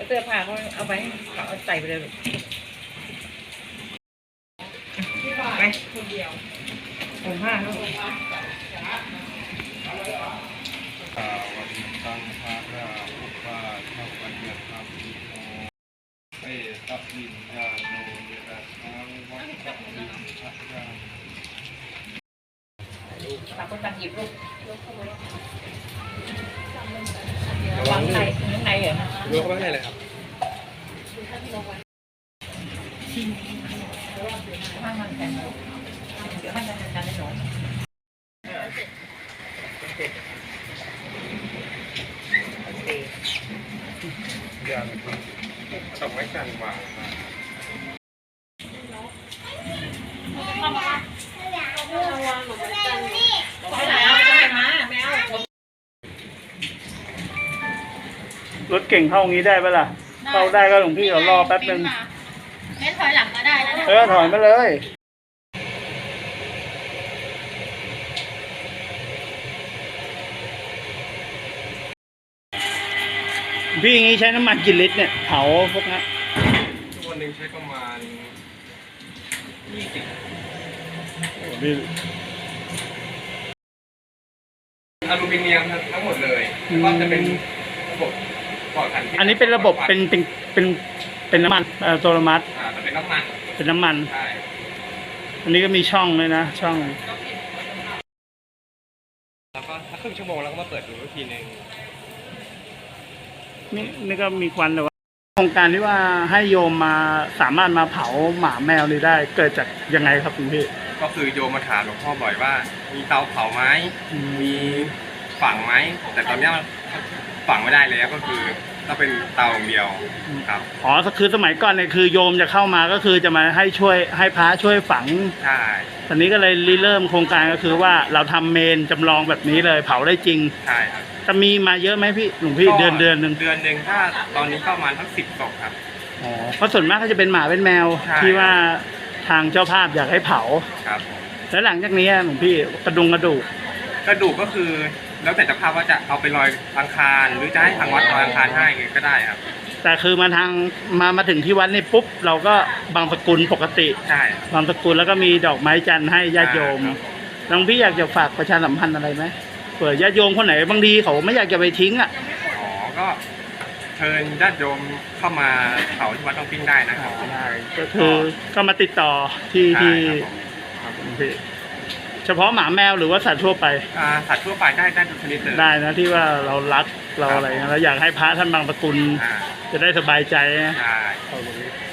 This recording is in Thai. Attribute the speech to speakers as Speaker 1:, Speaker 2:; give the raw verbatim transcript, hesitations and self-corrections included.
Speaker 1: เสื้อผ้าเขาเอาไปเอาใส่ไปเลยไปคนเดียวผมผ้าเขา
Speaker 2: วันตังภาราอุปาทัพปัญญาธรรมอิโมเอตัพวิญญาโนเยตัสสังวัฏฏวิญญาณ
Speaker 1: ตาคนตังหยิบลูกวางในข้างในเหรอ
Speaker 2: เลือกไว้ให้เลยครับ
Speaker 1: ข้างมันแข็งเดี๋ยวให้มันกันได้หน่อย
Speaker 2: อย่าต้องไม่กันวางนะ
Speaker 1: ไปไหนเอาไปมาแมว
Speaker 3: รถเก่งเข้างี้ได้ปะล่ะเข้าได้ก็หลวงพี่เดี๋ยวรอแป๊บนึง
Speaker 4: เล่นถอยหลังก็ได้นะ
Speaker 3: เออถอยมาเลยพี่อย่างนี้ใช้น้ำมันกี่ลิตรเนี่ยเผาพวกนี้
Speaker 2: วันหนึ่งใช้ประมาณยี่สิบอลูมิเนียมทั้งหมดเลยก็จะเป็นระบบปลอดภัย
Speaker 3: อันนี้เป็นระบบเป็นเป็นเป็นเป็นน้ำมันอัตโนมัติ
Speaker 2: อ่าเป็นน้ำมัน
Speaker 3: เป็นน้ำมัน
Speaker 2: ใช่
Speaker 3: อันนี้ก็มีช่องเลยนะช่อง
Speaker 2: แล้วก็ถ้าครึ่งชั่วโมงแล้วก็มาเปิดดูอีกทีนึง
Speaker 3: นี่นี่ก็มีควันแต่ว่าโครงการที่ว่าให้โยมมาสามารถมาเผาหมาแมวนี่ได้เกิดจากยังไงครับคุณพี่
Speaker 2: ก็คือโยมมาถามหลวงพ่อบ่อยว่ามีเตาเผาไหมมีฝังไหมแต่ตอนนี้ฝังไม่ได้แล้วก็คือต้องเป็นเตาอย่างเดียวครับ
Speaker 3: อ๋อคือสมัยก่อนเนี่ยคือโยมจะเข้ามาก็คือจะมาให้ช่วยให้พระช่วยฝัง
Speaker 2: ใช่
Speaker 3: ตอนนี้ก็เลยเริ่มโครงการก็คือว่าเราทำเมนจำลองแบบนี้เลยเผาได้จริง
Speaker 2: ใช่ครับ
Speaker 3: จะมีมาเยอะไหมพี่หลวงพี่เดือนเดือนหนึ่ง
Speaker 2: เดือนหนึ่งถ้าตอนนี้ประมาณทั้งสิบศพครับ
Speaker 3: อ๋อเพราะส่วนมากก็จะเป็นหมาเป็นแมวที่ว่าทางเจ้าภาพอยากให้เผา
Speaker 2: ครับ
Speaker 3: แล้วหลังจากนี้หลวงพี่กระดุงกระดูก
Speaker 2: กระดูกก็คือแล้วแต่เจ้าภาพว่าจะเอาไปลอยอังคารหรือจะให้ทางวัดลอยอังคารให้ก็ได้ครับ
Speaker 3: แต่คือมาทางมามาถึงที่วัดนี่ปุ๊บเราก็บางสกุลปกติ
Speaker 2: ใช่
Speaker 3: บางสกุลแล้วก็มีดอกไม้จันทร์ให้ญาติโยมหลวงพี่อยากจะฝากประชาสัมพันธ์อะไรไหมเผื่อญาติโยมคนไหนบางทีเขาไม่อยากจะไปทิ้งอ่ะ
Speaker 2: อ๋อก็เชิญญาติโยมเข้ามาเผาที่วัดต้องปิ้งได้นะครับ
Speaker 3: ได้ก็คือก็มาติดต่อที่ที่เฉพาะหมาแมวหรือว่าสัตว์ทั่วไป
Speaker 2: อ่าสัตว์ทั่วไปได้ได้ทุกชนิดเลย
Speaker 3: ได้นะที่ว่าเรารักเราอะไรเราอยากให้พระท่านบางสกุลจะได้สบายใจนะ
Speaker 2: ใช่